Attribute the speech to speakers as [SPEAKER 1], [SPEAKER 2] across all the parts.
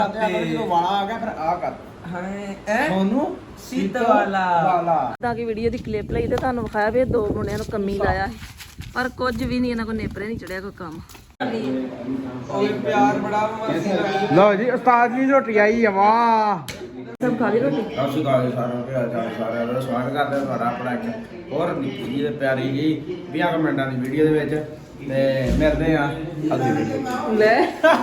[SPEAKER 1] ਵਾਲਾ ਆ ਗਿਆ ਫਿਰ ਆ ਕਰ
[SPEAKER 2] ਸੋਨੂੰ
[SPEAKER 1] ਸੀਤ ਵਾਲਾ
[SPEAKER 3] ਤਾਂ ਕਿ ਵੀਡੀਓ ਦੀ ਕਲਿੱਪ ਲਈ ਤੇ ਤੁਹਾਨੂੰ ਵਿਖਾਇਆ ਵੀ ਇਹ ਦੋ ਮੁੰਡਿਆਂ ਨੂੰ ਕੰਮੀ ਲਾਇਆ ਸੀ ਪਰ ਕੁਝ ਵੀ ਨਹੀਂ ਇਹਨਾਂ ਕੋਲ ਨੇਪਰੇ ਨਹੀਂ ਚੜਿਆ ਕੋਈ ਕੰਮ।
[SPEAKER 2] ਓਏ ਪਿਆਰ ਬੜਾ ਮਸਤੀ
[SPEAKER 1] ਲਓ ਜੀ ਉਸਤਾਦ ਜੀ ਰੋਟੀ ਆਈ ਆ ਵਾਹ।
[SPEAKER 3] ਸਭ ਖਾ ਲਈ ਰੋਟੀ?
[SPEAKER 1] ਅਸੀਂ ਖਾ ਲਈ ਸਾਰਿਆਂ ਦੇ ਸਾਰਿਆਂ ਦਾ ਸਵਾਗਤ ਕਰਦੇ ਹਾਂ ਤੁਹਾਡਾ ਆਪਣਾ ਇੱਕ ਹੋਰ ਨਿੱਕੀ ਜਿਹੀ ਤੇ ਪਿਆਰੀ ਜੀ 20 ਮਿੰਟਾਂ ਦੀ ਵੀਡੀਓ ਦੇ ਵਿੱਚ ਤੇ ਮਿਲਦੇ ਆ ਅਗਲੀ ਵੀਡੀਓ
[SPEAKER 3] ਲੈ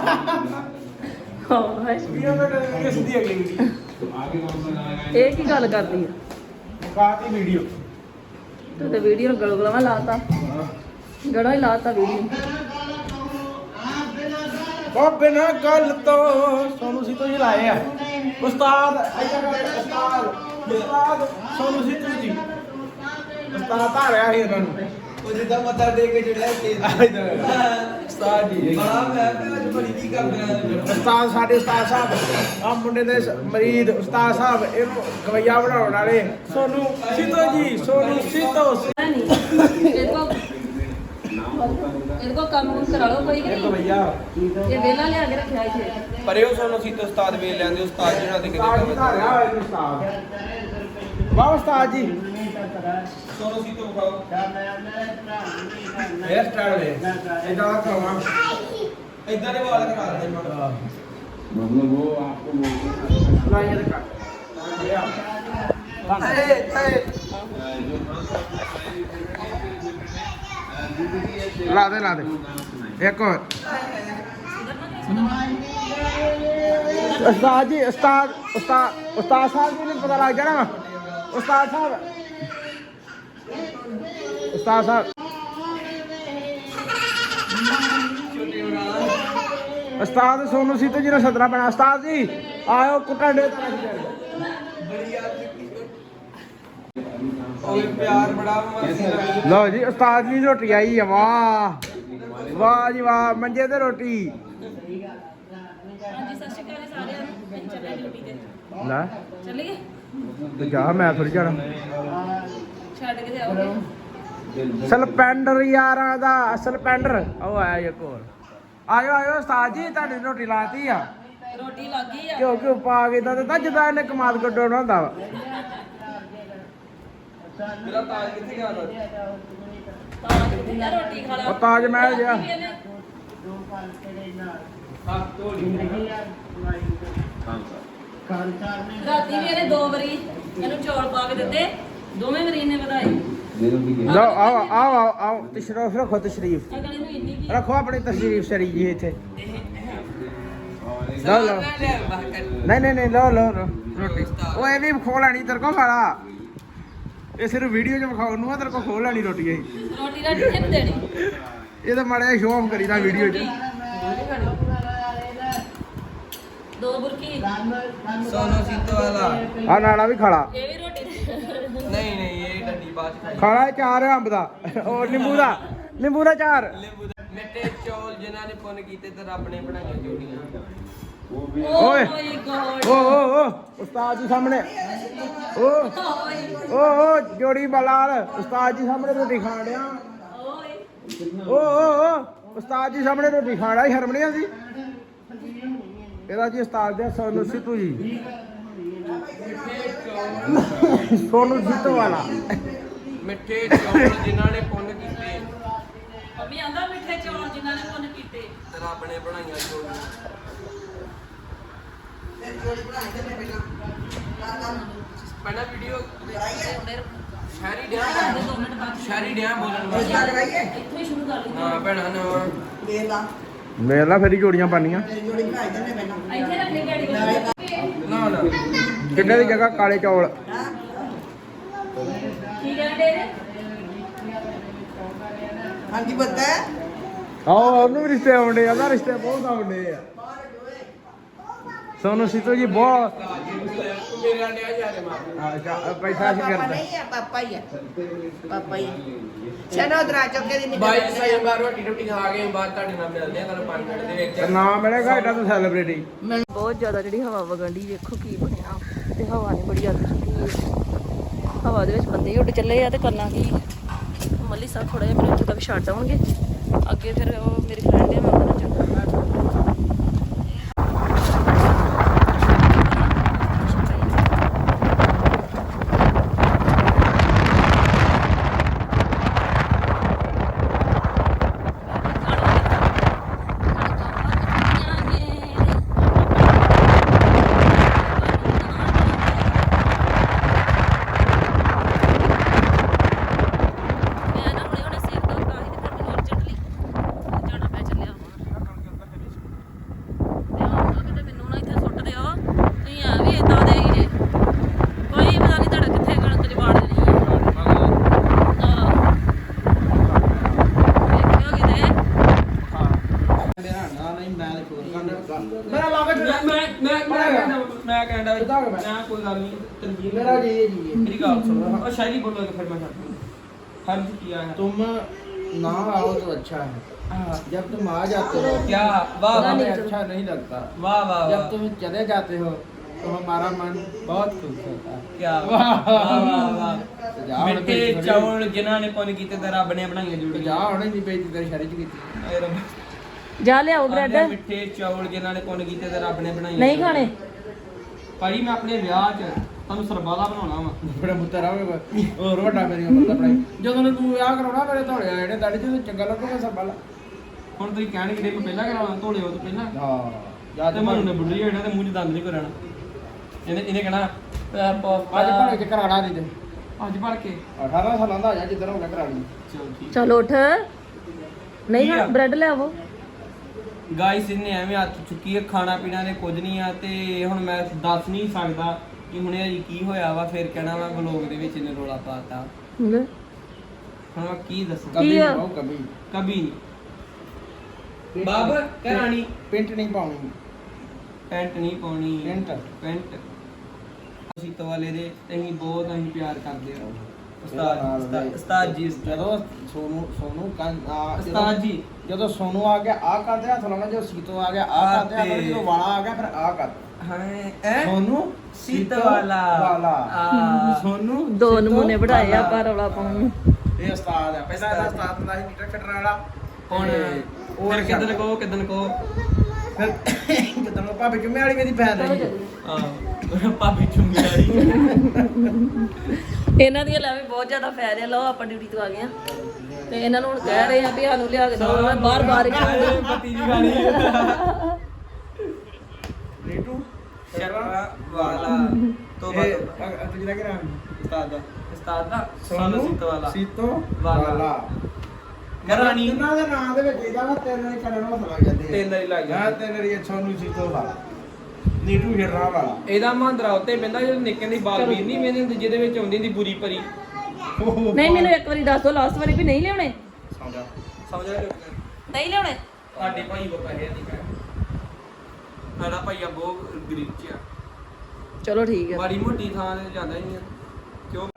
[SPEAKER 3] ਹਾਏ
[SPEAKER 1] ਕਿਸ ਦੀ ਅਗਲੀ ਵੀਡੀਓ
[SPEAKER 3] ਇਹ ਕੀ ਗੱਲ ਕਰਦੀ ਹੈ?
[SPEAKER 1] ਕਾਤੀ ਵੀਡੀਓ
[SPEAKER 3] ਤੂੰ ਤੇ ਵੀਡੀਓ ਨੂੰ ਗਲਗਲਾਵਾ ਲਾਤਾ ਗੜਾ ਹੀ ਲਾਤਾ ਵੀਡੀਓ।
[SPEAKER 1] ਉਹ ਬਿਨਾਂ ਗੱਲ ਤੋਂ ਸੋਨੂੰ ਸੀ ਤੋਂ ਹੀ ਲਾਏ ਆ ਉਸਤਾਦ ਉਸਤਾਦ ਸੋਨੂੰ ਸੀ ਤੋਂ ਜੀ ਉਸਤਾਦ ਆ ਰਿਹਾ ਸੀ ਇਹਨਾਂ ਨੂੰ
[SPEAKER 2] ਉਹ ਜਿੱਦਾਂ ਮੱਥਾ ਦੇ ਕੇ ਜਿਹੜਾ
[SPEAKER 1] ਉਸਤਾਦ ਜੀ
[SPEAKER 2] ਬੜਾ ਮੈਂ ਅੱਜ ਬੜੀ ਕੀ ਕਰਦਾ
[SPEAKER 1] ਉਸਤਾਦ ਸਾਡੇ ਉਸਤਾਦ ਸਾਹਿਬ ਆ ਮੁੰਡੇ ਦੇ ਮਰੀਦ ਉਸਤਾਦ ਸਾਹਿਬ ਇਹਨੂੰ ਗਵਈਆ ਬਣਾਉਣ ਵਾਲੇ ਸੋਨੂੰ ਸਿੱਧੋ ਜੀ ਸੋਨੂੰ ਸਿੱਧੋ
[SPEAKER 3] ਇਹਦੇ ਕੋ ਕੰਮ ਕਰਾ ਲਓ ਕੋਈ ਕਿ ਨਹੀਂ?
[SPEAKER 1] ਗਵਈਆ
[SPEAKER 3] ਇਹ ਵੇਲਾ ਲਿਆ ਕੇ ਰੱਖਿਆ ਇੱਥੇ।
[SPEAKER 2] ਪਰ ਇਹ ਸੋਨੂੰ ਸੀ ਤੇ ਉਸਤਾਦ ਵੇਖ ਲੈਂਦੇ ਉਸਤਾਦ ਜਿਹੜਾ ਤੇ
[SPEAKER 1] ਉਸਤਾਦ ਜੀ ਦਾ ਰਿਹਾ ਹੋਇਆ ਜੀ ਉਸਤਾਦ ਵਾਹ ਉਸਤਾਦ ਜੀ
[SPEAKER 2] ਸੋਨੂੰ ਸੀ ਤੋਂ ਵਿਖਾਓ
[SPEAKER 1] ਹੇਅਰ ਸਟਾਈਲ ਵੇ ਇਦਾਂ ਦਾ ਕਰਾਉਣਾ
[SPEAKER 2] ਇਦਾਂ ਦੇ ਵਾਲ ਕਰਾ ਦਿੰਦੇ ਮੈਂ
[SPEAKER 1] मतलब वो आपको ना ये का ला दे एक और उस्ताद जी उस्ताद साहब जी ने पता लग गया ना उस्ताद साहब उस्ताद सोनू सीतो जी ने सदना पैना उस्ताद जी आयो कुटा डे
[SPEAKER 2] ਓਏ ਪਿਆਰ ਬੜਾ ਮਸਤੀ
[SPEAKER 1] लो जी उस्ताद जी रोटी आई है वाह वाह जी वाह मंजे ते रोटी
[SPEAKER 3] ਹਾਂਜੀ ਸਤਿ ਸ਼੍ਰੀ ਅਕਾਲ ਸਾਰਿਆਂ ਨੂੰ। ਅਸੀਂ ਚੱਲੇ ਡਿਊਟੀ ਤੇ।
[SPEAKER 1] ला
[SPEAKER 3] ਚੱਲੀਏ?
[SPEAKER 1] तो जा मैं थोड़ी जाना
[SPEAKER 3] ਛੱਡ ਕੇ ਤੇ ਆਓਗੇ।
[SPEAKER 1] ਸਲਪੈਂਡਰ ਯਾਰਾਂ ਦਾ ਸਲਪੈਂਡਰ ਉਹ ਆਇਆ ਇੱਕ ਹੋਰ ਆਇਓ ਉਸਤਾਦ ਜੀ ਤੁਹਾਡੀ ਰੋਟੀ ਲਾਤੀ ਆ
[SPEAKER 3] ਰੋਟੀ ਲੱਗ ਗਈ ਆ।
[SPEAKER 1] ਕਿਉਂ ਪਾ ਕੇ ਤਾਂ ਦਿੱਤਾ ਜਿੱਦਾਂ ਇਹਨੇ ਕਮਾਲ ਕੱਢਣਾ ਹੁੰਦਾ ਵਾ
[SPEAKER 2] ਮੇਰਾ ਤਾਜ ਕਿੱਥੇ ਗਿਆ ਤਾ
[SPEAKER 3] ਤਾਂ ਕਿੰਨਾ ਰੋਟੀ ਖਾ ਲਾ।
[SPEAKER 1] ਉਹ ਤਾਜ ਮਹਿਲ ਜਿਹਾ।
[SPEAKER 2] ਹੱਥ ਧੋ ਲਈ
[SPEAKER 3] ਰਾਤੀ ਵੀ ਇਹਨੇ 2 ਵਾਰੀ ਇਹਨੂੰ ਚੌਲ ਪਾ ਕੇ ਦਿੱਤੇ, ਦੋਵੇਂ ਵਾਰੀ ਇਹਨੇ ਵਧਾਈ।
[SPEAKER 1] ਲਓ ਆਓ ਤਸ਼ਰੀਫ ਰੱਖੋ ਤਸ਼ਰੀਫ
[SPEAKER 3] ਅਗਲੇ ਨੂੰ ਇੰਨੀ ਕੀ
[SPEAKER 1] ਰੱਖੋ ਆਪਣੀ ਤਸ਼ਰੀਫ ਸ਼ਰੀ ਜੀ ਇੱਥੇ ਲਓ ਨਹੀਂ ਲਓ ਰੋਟੀ ਉਹ ਇਹ ਵੀ ਖੋ ਲੈਣੀ ਤੇਰੇ ਕੋ ਖਾਲਾ ਇਹ ਸਿਰਫ ਵੀਡੀਓ 'ਚ ਵਿਖਾਉਣ ਨੂੰ ਆ ਤੇਰੇ ਕੋ ਖੋ ਲੈਣੀ ਰੋਟੀ ਇਹ
[SPEAKER 3] ਰੋਟੀ ਰਾਟੀ ਕਿਹਨੂੰ ਦੇਣੀ?
[SPEAKER 1] ਇਹ ਤਾਂ ਮਾੜਾ ਸ਼ੋਅ ਆਫ ਕਰੀਦਾ ਵੀਡੀਓ 'ਚ
[SPEAKER 3] ਦੋ ਬੁਰਕੀ
[SPEAKER 2] ਸੋਨੂੰ ਸੀਤੋ ਵਾਲਾ
[SPEAKER 1] ਆ ਨਾਲਾ ਵੀ ਖਾਲਾ
[SPEAKER 3] ਇਹ ਵੀ ਰੋਟੀ
[SPEAKER 2] ਨਹੀਂ ਇਹ ਡੱਡੀ ਬਾਅਦ ਚ ਖਾਈ
[SPEAKER 1] ਖਾਲਾ ਚਾਰ ਅੰਬ ਦਾ ਉਹ ਨਿੰਬੂ ਦਾ ਚਾਰ
[SPEAKER 2] ਮਿੱਠੇ ਚੌਲ ਜਿਨ੍ਹਾਂ ਨੇ ਪੁੰਨ ਕੀਤੇ ਤੇ ਰੱਬ ਨੇ ਬਣਾਈਆਂ ਜੋੜੀਆਂ
[SPEAKER 1] ਓਏ।
[SPEAKER 3] ਮਾਈ ਗॉड
[SPEAKER 1] ਓ ਉਸਤਾਦ ਜੀ ਸਾਹਮਣੇ ਓ ਜੋੜੀ ਬਲਾਲ ਉਸਤਾਦ ਜੀ ਸਾਹਮਣੇ ਰੋਟੀ ਖਾਣ ਡਿਆ ਓ ਉਸਤਾਦ ਜੀ ਸਾਹਮਣੇ ਰੋਟੀ ਖਾਣਾ ਹੀ ਸ਼ਰਮ ਨਹੀਂ ਆਉਂਦੀ ਇਹਦਾ ਜੀ ਉਸਤਾਦ ਦੇ ਸੋਨੂੰ ਸਿੱਧੂ ਜੀ ਸੋਨੂੰ ਸਿੱਧੂ ਵਾਲਾ
[SPEAKER 2] ਮਿੱਠੇ ਚੌਲ ਜਿਨ੍ਹਾਂ ਨੇ ਪੁੰਨ ਕੀਤੇ
[SPEAKER 3] ਮੰਮੀ ਆਂਦਾ ਮਿੱਠੇ ਚੌਲ ਜਿਨ੍ਹਾਂ ਨੇ ਪੁੰਨ ਕੀਤੇ
[SPEAKER 2] ਤੇ ਰੱਬ ਨੇ ਬਣਾਈਆਂ ਜੋੜੀਆਂ ਪਹਿਲਾਂ ਵੀਡੀਓ ਸ਼ਹਿਰੀ ਡਿਆ ਬੋਲਣ ਵਾਸਤੇ
[SPEAKER 3] ਇੱਥੋਂ ਹੀ ਸ਼ੁਰੂ ਕਰ ਲਈ।
[SPEAKER 2] ਹਾਂ ਭੈਣਾਂ ਨੇ
[SPEAKER 1] ਮੇਰੇ ਨਾਲ ਫੇਰੀ ਜੋੜੀਆਂ ਪਾਣੀਆਂ
[SPEAKER 3] ਇੱਥੇ ਰੱਖੇ ਗਾੜੀ ਕੋਲ।
[SPEAKER 2] ਨਾ
[SPEAKER 1] ਕਿੰਨੇ ਦੀ ਜਗ੍ਹਾ ਕਾਲੇ ਚੌਲ
[SPEAKER 3] ਕੀ ਕਹਿੰਦੇ ਨੇ?
[SPEAKER 4] ਹਾਂਜੀ ਪਤਾ ਹੈ
[SPEAKER 1] ਆਓ ਉਹਨੂੰ ਵੀ ਰਿਸ਼ਤੇ ਆਉਂਦੇ ਆ ਨਾ ਰਿਸ਼ਤੇ ਬਹੁਤ ਆਉਂਦੇ ਆ ਸੋਨੂੰ ਸਿੱਧੂ ਜੀ ਬਹੁਤ
[SPEAKER 2] ਮੇਰੇ ਆਂਡਿਆ ਜਾਰੇ ਮਾਰ
[SPEAKER 1] ਪੈਸਾ ਸੀ
[SPEAKER 4] ਪਾਪਾ
[SPEAKER 1] ਕਰਦਾ
[SPEAKER 4] ਨਹੀਂ ਹੈ ਪਾਪਾ ਹੀ ਹੈ ਚਲੋ ਦਰਾ ਚੁੱਕੇ ਦੀ
[SPEAKER 2] ਬਾਈ ਸਹੀ ਬਾਰ ਰੋਟੀ ਖਾ ਕੇ ਬਾਅਦ ਤੁਹਾਡੇ ਨਾਲ ਮਿਲਦੇ ਆ ਤੁਹਾਨੂੰ 5 ਮਿੰਟ ਦੇ ਵਿੱਚ
[SPEAKER 1] ਨਾ ਮਿਲੇਗਾ ਏਡਾ ਤਾਂ ਸੈਲੀਬ੍ਰਿਟੀ
[SPEAKER 3] ਬਹੁਤ ਜ਼ਿਆਦਾ ਜਿਹੜੀ ਹਵਾ ਵਗਣ ਦੀ ਵੇਖੋ ਕੀ ਬਣਿਆ ਤੇ ਹਵਾ ਨੇ ਬੜੀ ਅੱਗ ਚੁੱਕੀ ਹੈ। ਹਵਾ ਦੇ ਵਿੱਚ ਬੰਦੇ ਹੀ ਉੱਡ ਚੱਲੇ ਆ ਤੇ ਕਰਨਾ ਕੀ ਮੱਲੀ ਸਾਹਿਬ ਥੋੜਾ ਜਿਹਾ ਮੈਨੂੰ ਇੱਥੇ ਤੱਕ ਛੱਡ ਆਉਣਗੇ ਅੱਗੇ ਫਿਰ ਉਹ ਮੇਰੀ ਫਰੈਂਡ ਹੈ ਮੈਂ ਉਹਦੇ ਨਾਲ ਜਾਣਾ।
[SPEAKER 2] ਮੈਂ ਕਹਿੰਦਾ
[SPEAKER 1] ਕਿੱਦਾਂ ਹੋ ਗਿਆ?
[SPEAKER 2] ਮੈਂ ਕੋਈ ਗੱਲ ਨਹੀਂ ਤਨਵੀਰ
[SPEAKER 1] मेरा जी
[SPEAKER 2] ਮੇਰੀ ਗੱਲ ਸੁਣੋ ਉਹ ਸ਼ਾਇਰੀ ਬੋਲੋਗੇ ਫਿਰ ਮੈਂ ਛੱਡ ਹਰ किया है
[SPEAKER 1] तुम ना आओ तो अच्छा है जब तुम आ जाते हो
[SPEAKER 2] क्या वाह वाह
[SPEAKER 1] हमें अच्छा नहीं लगता
[SPEAKER 2] वाह वाह
[SPEAKER 1] जब तुम चले जाते हो तो हमारा मन बहुत खुश होता है
[SPEAKER 2] क्या
[SPEAKER 1] वाह
[SPEAKER 2] वाह वाह
[SPEAKER 1] ਜਾ ਹੁਣ
[SPEAKER 2] ਮਿੱਠੇ
[SPEAKER 1] ਬੇਇੱਜ਼ਤੀ
[SPEAKER 2] ਚੌਲ ਜਿਨ੍ਹਾਂ ਨੇ ਪੁੰਨ ਕੀਤੇ ਤੇ ਰੱਬ ਨੇ ਬਣਾਈਆਂ
[SPEAKER 1] तो
[SPEAKER 2] ਜੁੜੀਆਂ
[SPEAKER 1] जा होने नहीं बेइज्जती तेरी शरीर की ਕੀਤੀ
[SPEAKER 2] ਆਏ ਰੱਬ
[SPEAKER 3] ਜਾ ਲਿਆਓ ਬ੍ਰੈਡ
[SPEAKER 2] ਆਂਦੇ ਮਿੱਠੇ ਚੌਲ ਜਿਨ੍ਹਾਂ ਨੇ ਪੁੰਨ ਕੀਤੇ ਤੇ ਰੱਬ ਨੇ ਬਣਾਈਆਂ
[SPEAKER 3] ਨਹੀਂ ਖਾਣੇ
[SPEAKER 2] ਭਾਈ ਮੈਂ ਆਪਣੇ ਵਿਆਹ 'ਚ ਤੁਹਾਨੂੰ ਸਰਬਾਲਾ ਬਣਾਉਣਾ ਵਾ
[SPEAKER 1] ਬੜਾ ਮੁੱਤਰ ਆਵੇ ਹੋਰ ਵੱਡਾ ਮੇਰੀ ਉਮਰ ਦਾ ਪੜਾਈ ਜਦੋਂ ਨੇ ਤੂੰ ਵਿਆਹ ਕਰਾਉਣਾ ਮੇਰੇ ਧੋਲੇ ਆਏ ਨੇ ਦਾੜੀ ਤੇ ਚੰਗਾ ਲੱਗੂਗਾ ਸਭ ਵਾਲਾ
[SPEAKER 2] ਹੁਣ ਤੁਸੀਂ ਕਹਿਣਗੇ ਕਿ ਮੈਂ ਪਹਿਲਾਂ ਕਰਾਉਣਾ ਧੋਲੇ ਉਹ ਤੋਂ ਪਹਿਲਾਂ
[SPEAKER 1] ਹਾਂ ਜਾ
[SPEAKER 2] ਤੇ ਮੈਨੂੰ ਨੇ ਬੁੱਢੀ ਹੋਣਾ ਤੇ ਮੂੰਹ 'ਚ ਦੰਦ ਨਹੀਂ ਕਰਨਾ ਇਹਨੇ ਕਹਿਣਾ
[SPEAKER 1] ਅੱਜ ਭਾਵੇਂ ਚ ਕਰਾਣਾ ਨਹੀਂ ਤੇ
[SPEAKER 2] ਅੱਜ ਭੜ ਕੇ
[SPEAKER 1] 18 ਸਾਲਾਂ ਦਾ ਹੋ ਜਾ ਜਿੱਦਣ ਹੋ ਗਿਆ ਕਰਾਣੀ
[SPEAKER 2] ਚਲੋ ਠੀਕ
[SPEAKER 3] ਚਲ ਉੱਠ ਨਹੀਂ ਖਾ ਬ੍ਰੈਡ ਲਿਆਵੋ
[SPEAKER 2] ਗਾਇਸ ਇਹਨੇ ਐਵੇਂ ਹੱਥ ਚੁੱਕੀ ਹੈ ਖਾਣਾ ਪੀਣਾ ਨੇ ਕੁਝ ਨਹੀਂ ਆ ਤੇ ਹੁਣ ਮੈਂ ਦੱਸ ਨਹੀਂ ਸਕਦਾ ਕਿ ਹੁਣੇ ਅਜੀ ਕੀ ਹੋਇਆ ਵਾ ਫਿਰ ਕਹਿਣਾ ਵਾ ਵਲੋਗ ਦੇ ਵਿੱਚ ਇਹਨੇ ਰੋਲਾ ਪਾਤਾ
[SPEAKER 3] ਲੈ।
[SPEAKER 2] ਹੁਣ ਮੈਂ ਕੀ ਦੱਸਾਂ
[SPEAKER 1] ਕभी
[SPEAKER 3] ਕੀ ਆ?
[SPEAKER 1] ਨਹੀਂ ਕभी
[SPEAKER 2] ਕਬੀ ਨਹੀਂ ਬਾਬ ਕਰਾਣੀ
[SPEAKER 1] ਪਿੰਟ ਨਹੀਂ ਪਾਉਣੀ
[SPEAKER 2] ਪੈਂਟ ਨਹੀਂ ਪਾਉਣੀ
[SPEAKER 1] ਪੈਂਟ
[SPEAKER 2] ਪੈਂਟ ਅਸੀਂ ਵਾਲੇ ਦੇ ਅਸੀਂ ਬਹੁਤ ਅਸੀਂ ਪਿਆਰ ਕਰਦੇ ਹਾਂ ਉਸਤਾਦ ਜੀ
[SPEAKER 1] ਜਦੋਂ ਸੋਨੂ
[SPEAKER 2] ਉਸਤਾਦ ਜੀ
[SPEAKER 1] ਜਦੋਂ ਸੋਨੂ ਆ ਗਿਆ ਆ ਕਰਦੇ ਹੱਥ ਲਾਉਣਾ ਜਦੋਂ ਸੀਤੋ ਆ ਗਿਆ ਆ ਕਰਦੇ ਹੱਥ ਲਾਉਣਾ, ਜਦੋਂ ਵਾਲਾ ਆ ਗਿਆ ਫਿਰ ਆ ਕਰ
[SPEAKER 2] ਹਾਂ
[SPEAKER 1] ਸੋਨੂ
[SPEAKER 2] ਸੀਤ ਵਾਲਾ
[SPEAKER 1] ਸੋਨੂ
[SPEAKER 3] ਦੋ
[SPEAKER 1] ਸੀਤੋ
[SPEAKER 3] ਨਮੂਨੇ ਬਣਾਏ ਆ
[SPEAKER 1] ਵਾਲਾ।
[SPEAKER 3] ਪਰ ਰੌਲਾ ਪਾਉਣ ਨੂੰ
[SPEAKER 1] ਇਹ ਉਸਤਾਦ ਆ ਪਹਿਲਾਂ ਇਹਦਾ ਉਸਤਾਦ ਹੁੰਦਾ ਸੀ ਮੀਟਰ ਕੱਟਣ ਵਾਲਾ
[SPEAKER 2] ਹੁਣ
[SPEAKER 1] ਉਹ
[SPEAKER 2] ਫਿਰ ਕਿਦਨ ਕੋ
[SPEAKER 1] ਫਿਰ ਕਿਦਾਂ ਭਾਬੀ ਜੁਮੇ ਵਾਲੀ ਮੇਰੀ ਭੈਣ ਰਹੀ
[SPEAKER 2] ਭਾਬੀ ਚੁੰਗੀ ਵਾਲੀ
[SPEAKER 3] ਇਹਨਾਂ ਦੀਆਂ ਲੈਵੇਂ ਬਹੁਤ ਜ਼ਿਆਦਾ ਫੈਰ ਆ ਲਓ ਆਪਾਂ ਡਿਊਟੀ ਤੋਂ ਆ ਗਏ ਆ ਤੇ ਇਹਨਾਂ ਨੂੰ ਹੁਣ ਕਹਿ ਰਹੇ ਆ ਵੀ ਸਾਨੂੰ ਲਿਆ ਕੇ ਦਿਓ ਬਾਰ ਬਾਰ
[SPEAKER 2] ਪਤੀ ਦੀ ਗਾਣੀ
[SPEAKER 1] ਨੀਟੂ
[SPEAKER 2] ਸ਼ਰਵਾ ਵਾਲਾ ਤੋਬਾ
[SPEAKER 1] ਤੂੰ ਜਿਹੜਾ ਕਿ ਨਾਮ
[SPEAKER 2] ਉਸਤਾਦ ਦਾ
[SPEAKER 1] ਸੋਨੂ
[SPEAKER 2] ਸੀਤ ਵਾਲਾ
[SPEAKER 1] ਸੀਤੋ
[SPEAKER 2] ਵਾਲਾ।
[SPEAKER 1] ਵਾਲਾ
[SPEAKER 2] ਕਰਾਣੀ
[SPEAKER 1] ਇਹਨਾਂ ਦੇ ਨਾਂ ਦੇ ਵਿੱਚ ਇਹਦਾ ਵਾ ਤਿੰਨ ਨੇ ਕਰਨ ਨੂੰ ਲੱਗ ਜਾਂਦੇ ਆ।
[SPEAKER 2] ਤਿੰਨ ਵਾਰੀ ਲੱਗ
[SPEAKER 1] ਹਾਂ
[SPEAKER 2] ਜਾਂਦੇ।
[SPEAKER 1] ਤਿੰਨ ਰੀ ਸੋਨੂ ਸੀਤੋ ਵਾਲਾ ਨੀਟੂ ਹਿਰਰਾ ਵਾਲਾ
[SPEAKER 2] ਇਹਦਾ ਮਹਾਂਦਰਾ ਉੱਤੇ ਪੈਂਦਾ ਜਦੋਂ ਨਿੱਕੇ ਦੀ ਬਾਲਵੀਰ ਨਹੀਂ ਮੈਨੇ ਹੁੰਦੀ ਜਿਹਦੇ ਵਿੱਚ ਆਉਂਦੀ ਹੁੰਦੀ ਬੁਰੀ ਪਰੀ
[SPEAKER 3] ਨਹੀਂ ਮੈਨੂੰ ਇੱਕ ਵਾਰੀ ਦੱਸ ਦਿਓ ਲਾਸਟ ਵਾਰੀ ਵੀ ਨਹੀਂ ਲਿਆਉਣੇ
[SPEAKER 1] ਸਮਝਾ
[SPEAKER 2] ਸਮਝ ਆ
[SPEAKER 3] ਨਹੀਂ ਲਿਆਉਣੇ
[SPEAKER 2] ਸਾਡੇ ਭਾਈ ਕੋ ਪੈਸੇ ਨਹੀਂ ਕਹਿ ਸਾਡਾ ਭਾਈਆ ਬਹੁਤ ਗਰੀਬ ਚ ਆ
[SPEAKER 3] ਚਲੋ ਠੀਕ ਹੈ
[SPEAKER 2] ਬੜੀ ਮੋਟੀ ਥਾਂ ਤੇ ਜਾਂਦਾ ਹੀ ਨਹੀਂ ਆ ਕਿਉਂ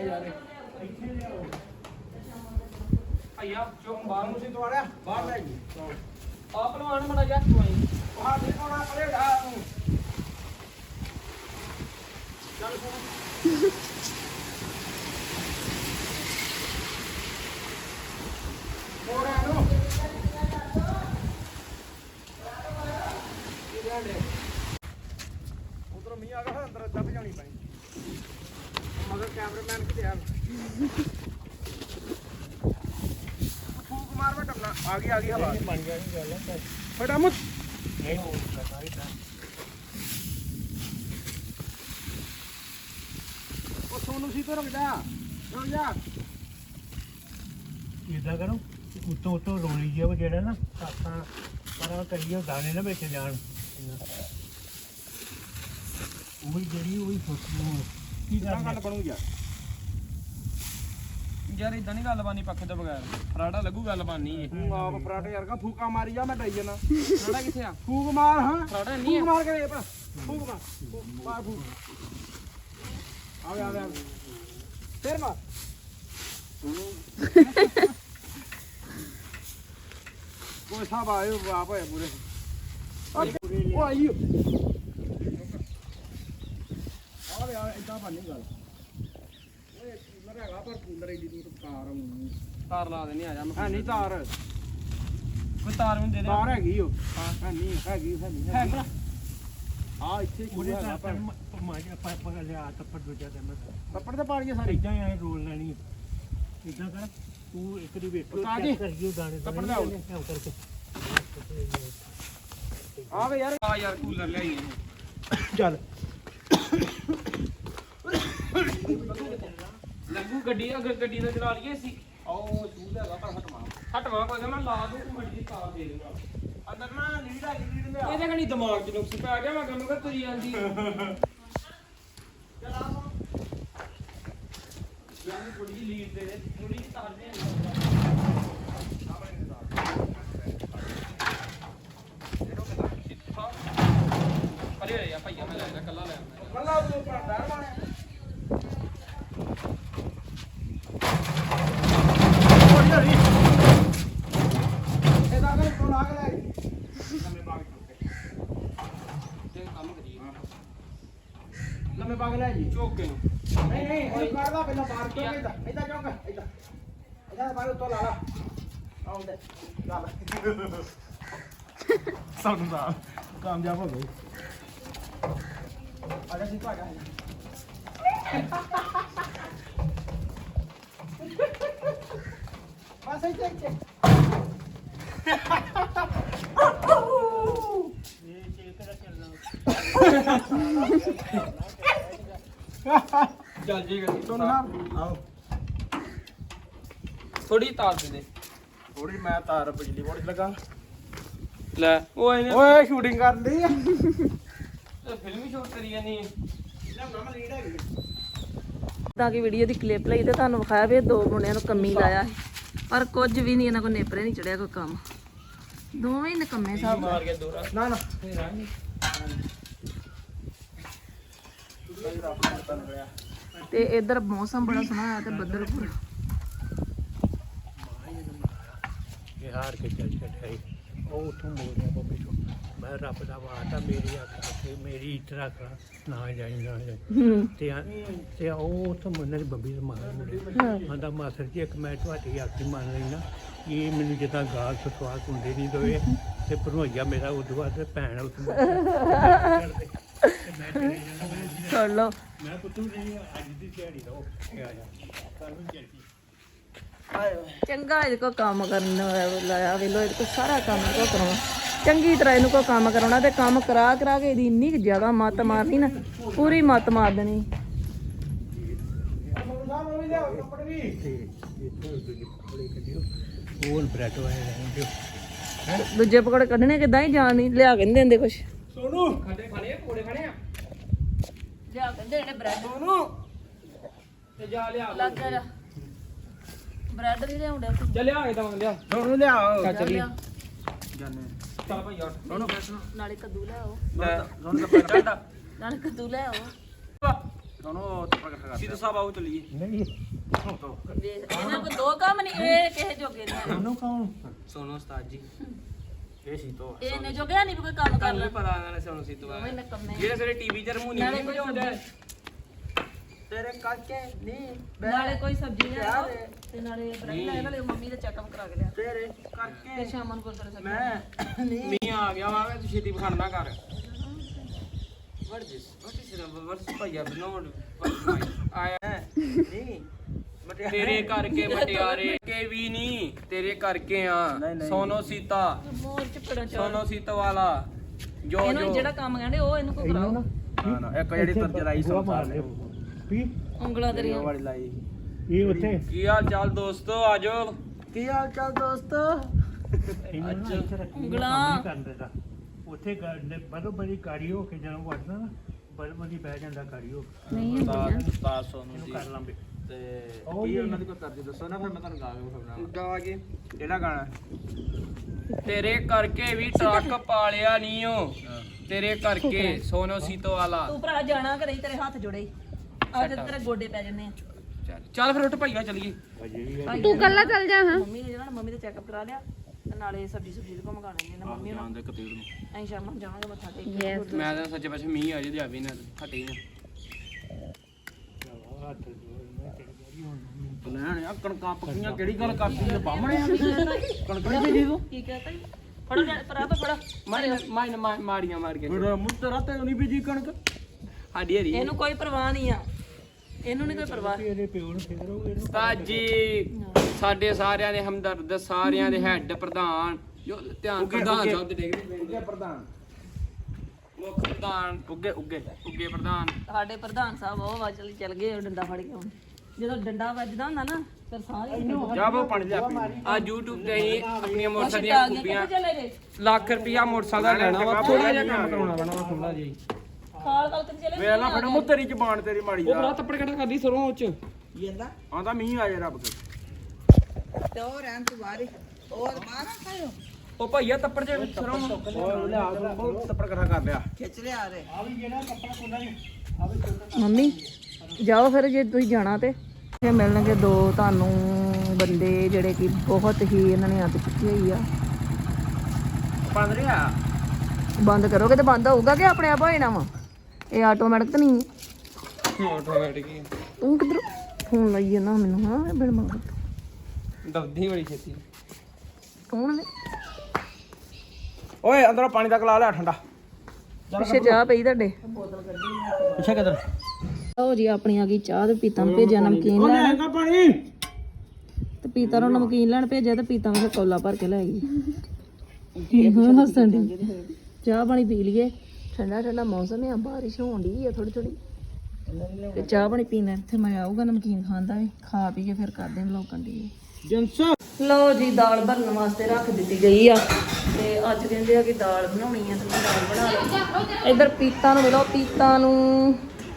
[SPEAKER 2] ਭਾਈਆ ਚੁੱਪ ਬਾਹਰ ਨੂੰ
[SPEAKER 1] ਸੀ ਤੁਹਾਡਾ ਬਾਹਰ ਲੈ ਜੀ
[SPEAKER 2] ਆ ਪਹਿਲਵਾਨ ਮੜਾ ਜਾ ਤੂੰ ਆਈ
[SPEAKER 1] ਬਾਹਰ ਨਹੀਂ ਕੋਣਾ ਪਰੇ ਢਾ ਤੂੰ ਉਧਰ ਮੀਂਹ ਆ ਗਿਆ ਅੰਦਰ ਦੱਬ ਜਾਣੀ ਪੈਣੀ ਮਗਰ ਕੈਮਰਾਮੈਨ ਕਿਤੇ ਆ ਫੂਕ ਮਾਰ ਵਾ ਟੱਪਣਾ ਆ ਗਈ ਹਵਾ ਬਣ ਗਿਆ ਨਹੀਂ ਗੱਲ ਫਟਾਮਤ ਨਹੀਂ ਹੋ ਸਕਦਾ ਉਹ ਸੋਨੂ ਸੀ ਤੋਂ ਰੁਕ ਜਾ
[SPEAKER 5] ਇਦਾਂ ਕਰੋ ਉੱਤੋਂ ਉੱਤੋਂ ਰੋਲੀ ਜਿਹਾ ਵਾ ਜਿਹੜਾ ਨਾ ਸਾਤਾਂ ਪਰਾਂ ਕਰੀਏ ਦਾਣੇ ਨਾ ਵਿੱਚ ਜਾਣ ਉਹੀ ਜਿਹੜੀ ਉਹੀ ਸੋਚੂ ਕੀ
[SPEAKER 1] ਕਿਦਾਂ
[SPEAKER 5] ਕਰਨਾ
[SPEAKER 1] ਗੱਲ ਬਣੂ ਯਾਰ
[SPEAKER 2] ਯਾਰ ਇਦਾਂ ਨਹੀਂ ਗੱਲ ਬਾਨੀ ਪੱਖੇ ਤੋਂ ਬਗੈਰ ਫਰਾੜਾ ਲੱਗੂ ਗੱਲ ਬਾਨੀ ਇਹ
[SPEAKER 1] ਤੂੰ ਆਪ ਪਰਾਠੇ ਯਾਰ ਕਾ ਫੂਕਾ ਮਾਰੀ ਜਾ ਮੈਂ ਡਾਈ ਜਾਣਾ
[SPEAKER 2] ਫਰਾੜਾ ਕਿੱਥੇ ਆ
[SPEAKER 1] ਫੂਕ ਮਾਰ ਹਾਂ
[SPEAKER 2] ਫਰਾੜਾ ਨਹੀਂ
[SPEAKER 1] ਫੂਕ
[SPEAKER 2] ਆ
[SPEAKER 1] ਮਾਰ ਕੇ ਵੇ ਫੂਕ ਮਾਰ ਫੂਕ ਆ ਗਿਆ ਫੇਰ ਮਾਰ ਕੋਈ ਸਾਬ ਆਇਓ ਬਾਪ ਹੋਇਆ ਪੂਰੇ ਉਹ ਆਈ ਆ ਇਦਾਂ ਬਣਨੀ ਗੱਲ ਓਏ ਕੂਲਰ ਹੈਗਾ ਪਰ ਕੂਲਰ ਏਡੀ ਦੂਰ ਤਾਰ ਆਉਣੀ
[SPEAKER 2] ਤਾਰ ਲਾ ਦੇਣੀ ਆ ਜਾ ਮੈਂ
[SPEAKER 1] ਹੈ ਨਹੀਂ ਤਾਰ
[SPEAKER 2] ਕੋਈ ਤਾਰ ਮੈਨੂੰ ਦੇ ਦੇ
[SPEAKER 1] ਤਾਰ ਹੈਗੀ ਓ ਹੈ ਨਹੀਂ ਹੈਗੀ
[SPEAKER 2] ਹੈਗੀ
[SPEAKER 1] ਆ ਇੱਥੇ
[SPEAKER 5] ਉਹਦੇ
[SPEAKER 1] ਕੂਲਰ ਹੈਗਾ
[SPEAKER 5] ਤਾਂ
[SPEAKER 1] ਪਰ
[SPEAKER 5] ਮਾਜਾ ਪਾਪਾ ਲਿਆ ਤੱਪੜ ਦੂਜਾ ਤੇ ਮੈਂ
[SPEAKER 1] ਪੱਪੜ ਤੇ ਪਾੜੀਆਂ ਸਾਰੀ
[SPEAKER 5] ਇਦਾਂ ਹੀ ਐ ਰੋਲ ਲੈਣੀ ਇਦਾਂ ਕਰ ਤੂੰ ਇੱਕ ਦੀ ਵੇਖੋ
[SPEAKER 1] ਉਸਤਾਦ ਜੀ,
[SPEAKER 5] ਚੈੱਕ ਕਰੀਓ ਦਾਣੇ
[SPEAKER 1] ਤੱਪੜ ਲਿਆਓ।
[SPEAKER 5] ਐਂ ਕਰਕੇ
[SPEAKER 1] ਆ ਵੇ ਯਾਰ
[SPEAKER 2] ਆ ਯਾਰ ਕੂਲਰ ਲਿਆਈਏ
[SPEAKER 1] ਚੱਲ
[SPEAKER 2] ਲੱਗੂ ਗੱਡੀ ਅਗਰ ਗੱਡੀ ਦਾ ਚਲਾ ਲਈਏ ਸੀ ਆਓ ਚੂਲ ਹੈਗਾ ਪਰ ਹਟਵਾ ਕੋਈ ਨਾ ਮੈਂ ਲਾ ਦੂੰ ਮੜੀ ਦੀ ਤਾਰ ਦੇ ਦੂੰਗਾ
[SPEAKER 1] ਅੰਦਰ ਨਾ ਲੀਡ ਆ ਲੀਡ ਲਿਆ
[SPEAKER 2] ਇਹਦੇ ਕਣੀ ਦਿਮਾਗ 'ਚ ਨੁਕਸ ਪੈ ਗਿਆ ਮੈਂ ਕਹਿੰਦਾ ਤੁਰੀ ਜਾਂਦੀ ਯਾਨੀ ਥੋੜੀ ਜਿਹੀ ਲੀਡ ਦੇ ਦੇ ਥੋੜੀ ਜਿਹੀ ਤਾਰ ਦੇ ਅਰੇ ਯਾ ਭਾਈਆ
[SPEAKER 1] ਬੱਲਾ ਤੂੰ ਪਰਦਾਰ ਮਾਰਿਆ ਇਹਦਾ ਕਰ ਤੂੰ ਲਾ ਕੇ ਲੈ ਲੰਮੇ ਬਾਗ
[SPEAKER 2] ਤੇ ਕੰਮ ਕਰੀਏ
[SPEAKER 1] ਲੰਮੇ ਬਾਗ ਲੈ ਜੀ
[SPEAKER 2] ਚੁੱਕ ਕੇ
[SPEAKER 1] ਨਹੀਂ ਨਹੀਂ ਉਹ ਕਰਦਾ ਪਹਿਲਾਂ ਬਾਹਰ ਕਿਉਂ ਇਦਾਂ ਇਦਾਂ ਕਿਉਂ ਕਰ ਇਦਾਂ ਇਦਾਂ ਬਾਹਰ ਤੋਂ ਲਾ ਲਾ ਆਉਂਦੇ ਲਾ ਲਾ ਸਾਨੂੰ ਦਾ ਕਾਮਯਾਬ ਹੋ ਗਏ ਆਜਾ ਸੀ ਤੁਹਾਡਾ ਬਸ ਇੱਥੇ ਇੱਥੇ
[SPEAKER 5] ਇਹ ਚੇਕ ਕਰਾ ਚੱਲਣਾ
[SPEAKER 2] ਚੱਲ ਜੀ ਗੱਡੀ
[SPEAKER 1] ਤੁਹਾਨੂੰ ਨਾ ਆਓ
[SPEAKER 2] ਥੋੜੀ ਤਾਰ ਦੇ ਦੇ
[SPEAKER 1] ਥੋੜੀ ਮੈਂ ਤਾਰ ਬਿਜਲੀ ਬੋਰਡ 'ਚ ਲਗਾ
[SPEAKER 2] ਲੈ ਉਹ ਇਹਨੇ
[SPEAKER 1] ਓਏ ਸ਼ੂਟਿੰਗ ਕਰਨ ਦੀ ਆ
[SPEAKER 2] ਫਿਲਮ ਹੀ ਸ਼ੂਟ ਕਰੀ ਜਾਨੀ ਹੈ
[SPEAKER 3] ਤਾਂ ਕਿ ਵੀਡੀਓ ਦੀ ਕਲਿੱਪ ਲਈ ਤੇ ਤੁਹਾਨੂੰ ਵਿਖਾਇਆ ਵੀ ਇਹ ਦੋ ਮੁੰਡਿਆਂ ਨੂੰ ਕੰਮੀ ਲਾਇਆ ਸੀ ਪਰ ਕੁਝ ਵੀ ਨਹੀਂ ਇਹਨਾਂ ਕੋਲ ਨੇਪਰੇ ਨਹੀਂ ਚੜਿਆ ਕੋਈ ਕੰਮ ਦੋਵੇਂ ਹੀ ਨਕੰਮੇ ਸਾਹਿਬ
[SPEAKER 2] ਮਾਰ ਕੇ ਦੋਰਾ
[SPEAKER 1] ਨਾ ਨਾ
[SPEAKER 2] ਫੇਰ ਆਣੀ
[SPEAKER 3] ਤੇ ਇਧਰ ਮੌਸਮ ਬੜਾ ਸੋਹਣਾ ਹੋਇਆ ਤੇ ਬੱਦਲ ਪੂਰਾ
[SPEAKER 5] ਇਹ ਹਾਰ ਕੇ ਚੱਲ ਛੱਡਿਆ ਉਹ ਉੱਥੋਂ ਮੋੜਿਆ ਬੱਬੇ ਤੋਂ ਮੈਂ ਰੱਬ ਦਾ ਵਾਅਦਾ ਮੇਰੀ ਅੱਖ ਤੇ ਮੇਰੀ ਇੱਜ਼ਤ ਰੱਖ ਨਾ ਜਾਈ ਨਾ ਜਾਈ ਤੇ ਉਹ ਉੱਥੋਂ ਮੁੰਡੇ ਦੀ ਬੱਬੀ ਦੇ ਮਾਰ ਆਂਦਾ ਮਾਸਰ ਜੀ ਇੱਕ ਮੈਂ ਤੁਹਾਡੀ ਆਖੀ ਮੰਨ ਲੈਣਾ ਇਹ ਮੈਨੂੰ ਜਿੱਦਾਂ ਗਾਲ ਸਸਵਾਲ ਹੁੰਦੇ ਨਹੀਂ ਦੋਏ ਤੇ ਭਰੋਈਆ ਮੇਰਾ ਉਦੋਂ ਬਾਅਦ ਭੈਣ ਉੱਥੇ
[SPEAKER 3] ਸੁਣ ਲਓ
[SPEAKER 5] ਮੈਂ ਪੁੱਤੂ ਨਹੀਂ ਅੱਜ ਦੀ ਦਿਹਾੜੀ ਦਾ ਉਹ ਆ ਜਾ ਕੱਲ ਨੂੰ ਚੱਲਦੀ
[SPEAKER 3] ਚੰਗਾ ਇਹਦੇ ਕੋ ਕੰਮ ਕਰਨ ਲਾਇਆ ਵੇਲੋ ਇਹਦੇ ਕੋ ਸਾਰਾ ਕੰਮ ਕੋ ਕਰਾਉਣਾ ਚੰਗੀ ਤਰ੍ਹਾਂ ਇਹਨੂੰ ਕੋ ਕੰਮ ਕਰਾਉਣਾ ਤੇ ਕੰਮ ਕਰਾ ਕਰਾ ਕੇ ਇਹਦੀ ਇੰਨੀ ਕੁ ਜ਼ਿਆਦਾ ਮੱਤ ਮਾਰਨੀ ਨਾ ਪੂਰੀ ਮੱਤ ਮਾਰ ਦੇਣੀ
[SPEAKER 5] ਤੇ ਇੱਥੇ ਦੂਜੀ ਪਕੌੜੇ ਕੱਢਿਓ ਉਹ ਬ੍ਰੈਡ ਵਾਲੇ ਰਹਿੰਦੇ
[SPEAKER 3] ਦੂਜੇ ਪਕੌੜੇ ਕੱਢਣੇ ਕਿਦਾਂ ਹੀ ਜਾਣ ਨਹੀਂ ਲਿਆ ਕੇ ਨਹੀਂ ਦਿੰਦੇ ਕੁਛ
[SPEAKER 1] ਸੋਨੂ
[SPEAKER 2] ਖਾਣੇ ਖਾਣੇ ਕੋੜੇ ਖਾਣੇ ਆ
[SPEAKER 3] ਲਿਆ ਕੇ ਦੇਣੇ ਬ੍ਰੈਡ
[SPEAKER 1] ਸੋਨੂ
[SPEAKER 2] ਤੇ ਜਾ ਲਿਆ
[SPEAKER 3] ਲੱਗ ਜਾ ਬ੍ਰੈਡ ਨਹੀਂ ਲਿਆਉਂਦੇ
[SPEAKER 2] ਚੱਲ ਲਿਆ ਕੇ ਦਵਾਂ ਲਿਆ
[SPEAKER 1] ਸੋਨੂ ਲਿਆਓ
[SPEAKER 2] ਚੱਲ ਚੱਲੀ
[SPEAKER 1] ਜਾਨੇ
[SPEAKER 2] ਚੱਲ ਭਾਈ ਯਾਰ
[SPEAKER 1] ਸੋਨੂ
[SPEAKER 3] ਨਾਲੇ ਕੱਦੂ ਲਿਆਓ
[SPEAKER 1] ਸੋਨੂ ਦਾ ਪੈਂਟਾ ਦਾ
[SPEAKER 3] ਨਾਲੇ ਕੱਦੂ ਲਿਆਓ
[SPEAKER 1] ਸੋਨੂ ਪ੍ਰਗਟ ਕਰ
[SPEAKER 2] ਸਿੱਧੂ ਸਾਹਿਬ ਆਓ ਚੱਲੀਏ
[SPEAKER 5] ਨਹੀਂ
[SPEAKER 3] ਇਹਨਾਂ ਕੋ ਦੋ ਕੰਮ ਨਹੀਂ ਇਹ ਕਿਸੇ ਜੋਗੇ ਨਹੀਂ
[SPEAKER 5] ਉਹਨੂੰ ਕੌਣ
[SPEAKER 2] ਸੋਨੋ ਉਸਤਾਦ ਜੀ
[SPEAKER 1] ਇਹ ਸੀ ਤੋ
[SPEAKER 3] ਇਹ ਨੇ ਜੋਗਿਆ ਨਹੀਂ ਵੀ ਕੋਈ ਕੰਮ ਕਰ
[SPEAKER 2] ਕੱਲ
[SPEAKER 3] ਲੈ
[SPEAKER 2] ਪਤਾ ਇਹਨਾਂ ਨੇ ਸੋਨੋ ਸਿੱਧੂ ਆ
[SPEAKER 3] ਦੋਵੇਂ ਨਕੰਮੇ
[SPEAKER 2] ਜਿਹੜੇ ਸਾਰੇ ਟੀਵੀ 'ਚ ਰਮੂਨੀ
[SPEAKER 3] ਨਾਲੇ
[SPEAKER 2] ਨਹੀਂ
[SPEAKER 3] ਕੋਈ
[SPEAKER 2] ਵਜਾਉਂਦਾ
[SPEAKER 1] ਤੇਰੇ ਕਾਕੇ ਨਹੀਂ
[SPEAKER 3] ਨਾਲੇ ਕੋਈ ਸਬਜ਼ੀ ਲਿਆਓ ਤੇ ਨਾਲੇ ਬ੍ਰੈਡ ਲੈ ਨਾਲੇ ਮੰਮੀ ਦਾ ਚੈੱਕਅਪ ਕਰਾ ਕੇ ਲਿਆ
[SPEAKER 1] ਤੇਰੇ ਕਰਕੇ
[SPEAKER 3] ਤੇ ਸ਼ਾਮ ਨੂੰ ਗੁਰਦੁਆਰੇ ਸਾਹਿਬ
[SPEAKER 1] ਮੈਂ ਨਹੀਂ
[SPEAKER 2] ਮੀਂਹ ਆ ਗਿਆ ਵਾ ਤੂੰ ਛੇਤੀ ਬਖਾਣ ਨਾ ਕਰ what is it ਭਾਈਆ ਬਨੋਡ ਆਇਆ
[SPEAKER 1] ਨਹੀਂ
[SPEAKER 2] ਤੇਰੇ ਕਰਕੇ ਮਟਿਆਰੇ ਕੇ ਵੀ ਨਹੀਂ ਤੇਰੇ ਕਰਕੇ ਆ ਸੋਨੋ ਸੀਤਾ
[SPEAKER 3] ਮੋਰ ਚਪੜਾ ਚਾ
[SPEAKER 2] ਸੋਨੋ ਸੀਤਾ ਵਾਲਾ ਜੋ
[SPEAKER 3] ਇਹਨੂੰ
[SPEAKER 2] ਜੋ
[SPEAKER 3] ਜਿਹੜਾ ਕੰਮ ਕਹਿੰਦੇ ਉਹ ਇਹਨੂੰ ਕੋ ਕਰਾਓ
[SPEAKER 1] ਨਾ ਨਾ ਇੱਕ ਜਿਹੜੀ ਤਰ ਜਰਾਈ ਸੰਸਾਰ ਨੇ
[SPEAKER 5] ਵੀ
[SPEAKER 3] ਉਂਗਲਾਂ ਤੇਰੀਆਂ
[SPEAKER 1] ਵਾਲੀ ਲਾਈ
[SPEAKER 5] ਇਹ ਉੱਥੇ
[SPEAKER 2] ਕੀ ਹਾਲ ਚਾਲ ਦੋਸਤੋ ਆਜੋ
[SPEAKER 1] ਕੀ ਹਾਲ ਚਾਲ ਦੋਸਤੋ
[SPEAKER 5] ਇਹਨਾਂ ਨੂੰ ਇੱਥੇ ਰੱਖੀ
[SPEAKER 3] ਉਂਗਲਾਂ।
[SPEAKER 5] ਕਰ ਦਿੰਦਾ ਉੱਥੇ ਬਰੋ ਬੜੀ ਗਾੜੀ ਹੋ ਕੇ ਜਦੋਂ ਵੜਦਾ ਨਾ ਬਰੋ ਬੜੀ ਬਹਿ ਜਾਂਦਾ ਗਾੜੀ ਹੋ ਕੇ
[SPEAKER 3] ਨਹੀਂ ਹੁੰਦੀਆਂ
[SPEAKER 1] ਉਸਤਾਦ ਸੋਨੂ
[SPEAKER 5] ਇਹਨੂੰ
[SPEAKER 1] ਜੀ
[SPEAKER 5] ਕਰ ਲਾਂਗੇ
[SPEAKER 1] ਤੇ ਕੀ ਉਹਨਾਂ ਦੀ ਕੋਈ ਤਰਜ ਦੱਸੋ ਨਾ ਫਿਰ ਮੈਂ ਤੁਹਾਨੂੰ ਗਾ ਕੇ ਵਿਖਾਉਣਾ ਗਾ ਕੇ ਕਿਹੜਾ ਗਾਣਾ
[SPEAKER 2] ਤੇਰੇ ਕਰਕੇ ਵੀ ਟਰੱਕ ਪਾਲਿਆ ਨਹੀਂ ਓ ਤੇਰੇ ਕਰਕੇ ਸੋਨੋ ਸੀਤੋ ਵਾਲਾ
[SPEAKER 3] ਤੂੰ ਭਰਾ ਜਾਣਾ ਕਿ ਨਹੀਂ ਤੇਰੇ ਹੱਥ ਜੁੜੇ ਅੱਜ ਤੇਰੇ ਗੋਡੇ ਪੈ ਜੰਨੇ ਆ
[SPEAKER 2] ਚੱਲ ਫਿਰ ਉੱਠ ਭਾਈਆ ਚੱਲੀਏ
[SPEAKER 3] ਤੂੰ ਕੱਲਾ ਚੱਲ ਜਾ ਹਾਂ ਮੰਮੀ ਨੇ ਜਿਹੜਾ ਮੰਮੀ ਦਾ ਚੈੱਕਅਪ ਕਰਾ ਲਿਆ ਤੇ ਨਾਲੇ ਸਬਜ਼ੀ ਸੁਬਜ਼ੀ ਕੋ ਮੰਗਾ ਲੈਣੇ ਨੇ ਮੰਮੀ ਉਹਨਾਂ
[SPEAKER 1] ਦੇ ਕਤੀੜ ਨੂੰ
[SPEAKER 3] ਅਸੀਂ ਸ਼ਾਮ ਨੂੰ ਜਾਵਾਂਗੇ ਮੱਥਾ ਟੇਕ ਕੇ
[SPEAKER 2] ਮੈਂ ਤਾਂ ਸੱਚੇ ਪਾਸੇ ਮੀਂਹ ਆ ਜੇ ਦਿਆਵੀ ਨਾ ਹਟੇ ਨਾ
[SPEAKER 1] ਲੈਣ ਆ ਕਣਕਾਂ ਪੱਕੀਆਂ ਕਿਹੜੀ ਗੱਲ ਕਰਦੀ ਹੈ ਬਾਹਮਣੇ ਆ ਕਣਕ ਨਹੀਂ ਬੀਜੀ ਤੂੰ
[SPEAKER 3] ਕੀ ਕਹਤਾ ਫੜੋ ਪਰਾ ਤਾਂ ਫੜਾ
[SPEAKER 2] ਮਾੜੀਆਂ ਮਾਰ ਕੇ
[SPEAKER 1] ਫਿਰ ਮੁੱਤਰਾ ਤੇ ਨਹੀਂ ਬੀਜੀ ਕਣਕ
[SPEAKER 2] ਸਾਡੀ ਹਰੀ
[SPEAKER 3] ਇਹਨੂੰ ਕੋਈ ਪਰਵਾਹ ਨਹੀਂ ਆ ਇਹਨੂੰ ਨਹੀਂ ਕੋਈ ਪਰਵਾਹ
[SPEAKER 5] ਇਹਦੇ ਪਿਓ ਨੂੰ ਫਿਕਰ ਹੋ ਇਹਨੂੰ
[SPEAKER 2] ਉਸਤਾਦ ਜੀ ਸਾਡੇ ਸਾਰਿਆਂ ਦੇ ਹਮਦਰਦ ਸਾਰਿਆਂ ਦੇ ਹੈੱਡ ਪ੍ਰਧਾਨ ਜੋ ਧਿਆਨ ਪ੍ਰਧਾਨ ਸਾਹਿਬ ਦੇ ਡੇਗਦੇ
[SPEAKER 1] ਉੱਗੇ ਪ੍ਰਧਾਨ
[SPEAKER 2] ਮੁੱਖ ਪ੍ਰਧਾਨ ਉੱਗੇ ਪ੍ਰਧਾਨ
[SPEAKER 3] ਸਾਡੇ ਪ੍ਰਧਾਨ ਸਾਹਿਬ ਉਹ ਵਾਜਲ ਚੱਲ ਗਏ ਉਹ ਡੰਡਾ ਫੜ ਕੇ ਹੁਣ ਜਦੋਂ ਡੰਡਾ ਵੱਜਦਾ ਹੁੰਦਾ ਨਾ ਫਿਰ ਸਾਰੇ
[SPEAKER 1] ਜਾ ਬੋ ਪਾਣੀ ਲਿਆ ਪੀ
[SPEAKER 2] ਆ YouTube ਤੇ ਹੀ ਆਪਣੀਆਂ ਮੋਟਰਸਾਈਕਲ
[SPEAKER 3] ਆ
[SPEAKER 2] ਦੀਆਂ
[SPEAKER 3] ਗਿਆ
[SPEAKER 2] ਖੂਬੀਆਂ
[SPEAKER 3] ਕਿੱਥੇ ਚਲੇ ਗਏ
[SPEAKER 2] ਲੱਖ ਰੁਪਿਆ ਮੋਟਰਸਾਈਕਲ ਦਾ ਲੈਣਾ ਵਾ ਥੋੜਾ ਜਿਹਾ ਕੰਮ ਕਰਾਉਣਾ ਪੈਣਾ ਵਾ ਥੋੜਾ ਜਿਹਾ
[SPEAKER 3] ਖਾਲ ਖਾਲ ਕਿੱਥੇ ਚਲੇ
[SPEAKER 1] ਵੇਲਾ ਫੜ ਮੂੰ ਤੇਰੀ ਜ਼ਬਾਨ ਤੇਰੀ ਮਾੜੀ
[SPEAKER 2] ਉਹ
[SPEAKER 1] ਦਾ
[SPEAKER 2] ਬੜਾ ਤੱਪੜ ਕੱਢ ਕਰਦੀ ਸਰੋਂ ਉੱਚ
[SPEAKER 4] ਜਾਂਦਾ
[SPEAKER 1] ਆਂਦਾ ਮੀਂਹ ਆ ਜਾ ਰੱਬ ਕੇ
[SPEAKER 4] ਤੇ ਉਹ ਰਹਿਣ ਤੂੰ ਬਾਹਰ ਹੀ। ਹੋਰ ਬਾਹਰ ਨਾ ਖਾਇਓ
[SPEAKER 2] ਉਹ ਭਈਆ ਤੱਪੜ ਜੇ ਸਰੋਂ
[SPEAKER 1] ਉਹ ਲਿਆ ਬਹੁਤ ਤੱਪੜ ਇਕੱਠਾ ਕਰ ਲਿਆ
[SPEAKER 4] ਖਿੱਚ ਲਿਆ ਰੇ
[SPEAKER 3] ਮੰਮੀ ਜਾਓ ਫਿਰ ਜੇ ਤੁਸੀਂ ਜਾਣਾ ਤੇ ਇਹ ਮਿਲਣਗੇ ਦੋ ਤੁਹਾਨੂੰ ਬੰਦੇ ਜਿਹੜੇ ਕਿ ਬਹੁਤ ਹੀ ਇਹਨਾਂ ਨੇ ਅੱਤ ਚੁੱਕੀ ਹੋਈ ਆ।
[SPEAKER 1] ਬੰਦ ਰਿਹਾ
[SPEAKER 3] ਬੰਦ ਕਰੋਗੇ ਤੇ ਬੰਦ ਹੋਊਗਾ ਕਿ ਆਪਣੇ ਆਪ ਹੋ ਜਾਣਾ ਵਾ? ਇਹ ਆਟੋਮੈਟਿਕ ਤਾਂ ਨਹੀਂ ਹੈ।
[SPEAKER 2] ਆਟੋਮੈਟਿਕ ਹੀ
[SPEAKER 3] ਤੂੰ ਕਿੱਧਰ ਫੋਨ ਲਾਈ ਜਾਂਦਾ ਮੈਨੂੰ? ਹਾਂ ਬਿਨ ਮੰਗ
[SPEAKER 2] ਦਬਦੀ ਬੜੀ ਛੇਤੀ।
[SPEAKER 3] ਕੌਣ ਨੇ
[SPEAKER 1] ਓਏ ਅੰਦਰੋਂ ਪਾਣੀ ਤੱਕ ਲਾ ਲਿਆ ਠੰਡਾ
[SPEAKER 3] ਪਿੱਛੇ ਚਾਹ ਪਈ ਤੁਹਾਡੇ?
[SPEAKER 1] ਪਿੱਛੇ ਕਿਧਰ
[SPEAKER 3] ਲਓ ਜੀ ਆਪਣੀ ਆ ਗਈ ਚਾਹ ਤੇ ਪੀਤਾ ਨੂੰ ਭੇਜਿਆ ਨਮਕੀਨ ਲੈਣ
[SPEAKER 1] ਹੈਗਾ ਪਾਣੀ
[SPEAKER 3] ਤੇ ਪੀਤਾ ਨੂੰ ਨਮਕੀਨ ਲੈਣ ਭੇਜਿਆ ਤੇ ਪੀਤਾ ਨੂੰ ਕੌਲਾ ਭਰ ਕੇ ਲੈ ਗਈ। ਹੁਣ ਹੱਸਣ ਦੀ ਚਾਹ ਪਾਣੀ ਪੀ ਲਈਏ। ਠੰਡਾ ਠੰਡਾ ਮੌਸਮ ਹੈ, ਬਾਰਿਸ਼ ਹੋਣ ਦੀ ਹੈ ਥੋੜੀ ਥੋੜੀ ਤੇ ਚਾਹ ਪਾਣੀ ਪੀਣਾ ਇੱਥੇ ਮੈਂ ਆਊਗਾ ਨਮਕੀਨ ਖਾਂਦਾ ਵੀ ਖਾ ਪੀ ਕੇ ਫਿਰ ਕਰਦੇ ਹਾਂ ਲੋਕਾਂ ਦੀ।
[SPEAKER 1] ਜਿੰਸ
[SPEAKER 3] ਲਓ ਜੀ ਦਾਲ ਬਣਨ ਵਾਸਤੇ ਰੱਖ ਦਿੱਤੀ ਗਈ ਆ ਤੇ ਅੱਜ ਕਹਿੰਦੇ ਆ ਕਿ ਦਾਲ ਬਣਾਉਣੀ ਆ ਤੇ ਮੈਂ ਦਾਲ ਬਣਾ ਲਈ। ਇੱਧਰ ਪੀਤਾ ਨੂੰ ਮਿਲੋ ਪੀਤਾ ਨੂੰ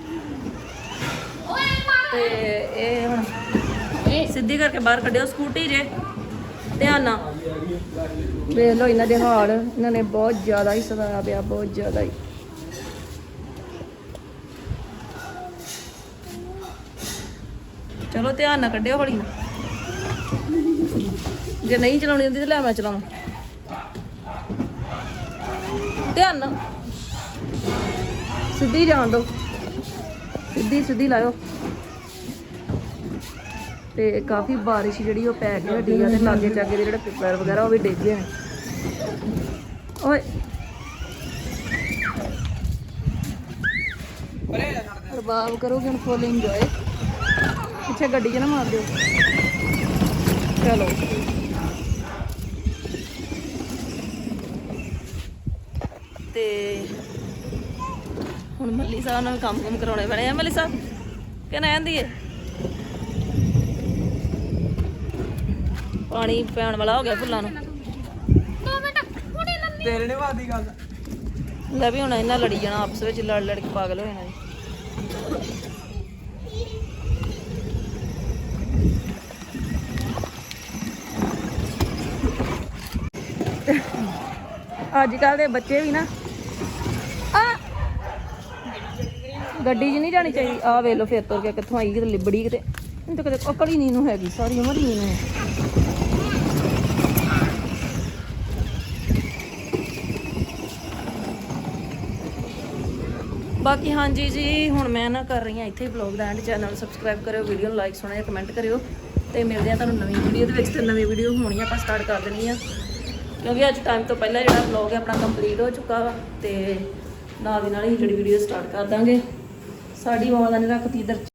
[SPEAKER 3] ਤੇ ਇਹ ਹੁਣ ਸਿੱਧੀ ਕਰਕੇ ਬਾਹਰ ਕੱਢਿਓ ਸਕੂਟੀ ਜੇ ਧਿਆਨ ਨਾਲ ਵੇਖ ਲਓ ਇਹਨਾਂ ਦੇ ਹਾਲ। ਇਹਨਾਂ ਨੇ ਬਹੁਤ ਜ਼ਿਆਦਾ ਹੀ ਸਤਾਇਆ ਪਿਆ, ਬਹੁਤ ਜ਼ਿਆਦਾ ਹੀ। ਚਲੋ ਧਿਆਨ ਨਾਲ ਕੱਢਿਓ ਹੌਲੀ ਨਾਲ। ਜੇ ਨਹੀਂ ਚਲਾਉਣੀ ਹੁੰਦੀ ਤਾਂ ਲੈ ਮੈਂ ਚਲਾਵਾਂ। ਧਿਆਨ ਨਾਲ ਸਿੱਧੀ ਜਾਣ ਦਿਓ, ਸਿੱਧੀ ਸਿੱਧੀ ਲਾਇਓ। ਤੇ ਕਾਫੀ ਬਾਰਿਸ਼ ਜਿਹੜੀ ਉਹ ਪੈ ਗਈ ਹੱਡੀ ਆ ਤੇ ਲਾਗੇ ਚਾਗੇ ਦੇ ਜਿਹੜੇ ਪਿੱਪਲ ਵਗੈਰਾ ਉਹ ਵੀ ਡਿੱਗ ਗਏ ਨੇ। ਓਏ ਰਬਾਬ ਕਰੋਗੇ ਹੁਣ ਫੁੱਲ ਇੰਜੋਏ। ਪਿੱਛੇ ਗੱਡੀ 'ਚ ਨਾ ਮਾਰ ਦਿਓ। ਚਲੋ ਤੇ ਹੁਣ ਮੱਲੀ ਸਾਹਿਬ ਨਾਲ ਕੰਮ ਕੁਮ ਕਰਾਉਣੇ ਪੈਣੇ ਆ। ਮੱਲੀ ਸਾਹਿਬ ਕਹਿੰਦਾ ਆਂਦੀ ਏ ਪਾਣੀ ਪੈਣ ਵਾਲਾ ਹੋ ਗਿਆ ਫੁੱਲਾਂ ਨੂੰ।
[SPEAKER 2] ਤੇਰੇ ਨੇ ਵਾਦੀ ਗੱਲ
[SPEAKER 3] ਲੈ ਵੀ ਹੁਣ ਇਹਨਾਂ ਲੜੀ ਜਾਣਾ ਆਪਸ ਵਿੱਚ, ਲੜ ਲੜ ਕੇ ਪਾਗਲ ਹੋ ਜਾਣਾ ਜੀ। ਅੱਜ ਕੱਲ ਦੇ ਬੱਚੇ ਵੀ ਨਾ ਆ ਗੱਡੀ 'ਚ ਨਹੀਂ ਜਾਣੀ ਚਾਹੀਦੀ। ਆ ਵੇਖ ਲਓ ਫਿਰ ਤੁਰ ਕੇ ਕਿੱਥੋਂ ਆਈ, ਕਿਤੇ ਲਿਬੜੀ ਕਿਤੇ। ਨਹੀਂ ਤਾਂ ਕਦੇ ਅਕਲ ਹੀ ਨਹੀਂ ਨੂੰ ਹੈਗੀ, ਸਾਰੀ ਉਮਰ ਹੀ ਨਹੀਂ ਨੂੰ ਹੈ। ਬਾਕੀ ਹਾਂਜੀ ਜੀ ਹੁਣ ਮੈਂ ਨਾ ਕਰ ਰਹੀ ਹਾਂ ਇੱਥੇ ਹੀ ਵਲੌਗ ਦਾ ਐਂਡ। ਚੈਨਲ ਨੂੰ ਸਬਸਕ੍ਰਾਈਬ ਕਰਿਓ, ਵੀਡੀਓ ਨੂੰ ਲਾਈਕ ਸੋਹਣਾ ਜਿਹਾ ਕਮੈਂਟ ਕਰਿਓ ਤੇ ਮਿਲਦੇ ਆ ਤੁਹਾਨੂੰ ਨਵੀਂ ਵੀਡੀਓ ਦੇ ਵਿੱਚ। ਤੇ ਨਵੀਂ ਵੀਡੀਓ ਹੋਣੀ ਆਪਾਂ ਸਟਾਰਟ ਕਰ ਦੇਣੀ ਆ ਕਿਉਂਕਿ ਅੱਜ ਟਾਈਮ ਤੋਂ ਪਹਿਲਾਂ ਜਿਹੜਾ ਵਲੌਗ ਹੈ ਆਪਣਾ ਕੰਪਲੀਟ ਹੋ ਚੁੱਕਾ ਵਾ ਤੇ ਨਾਲ ਦੀ ਨਾਲ ਹੀ ਜਿਹੜੀ ਵੀਡੀਓ ਸਟਾਰਟ ਕਰ ਦਾਂਗੇ। ਸਾਡੀ ਮਾਂ ਦਾ ਨੇ ਰੱਖਤੀ ਇੱਧਰ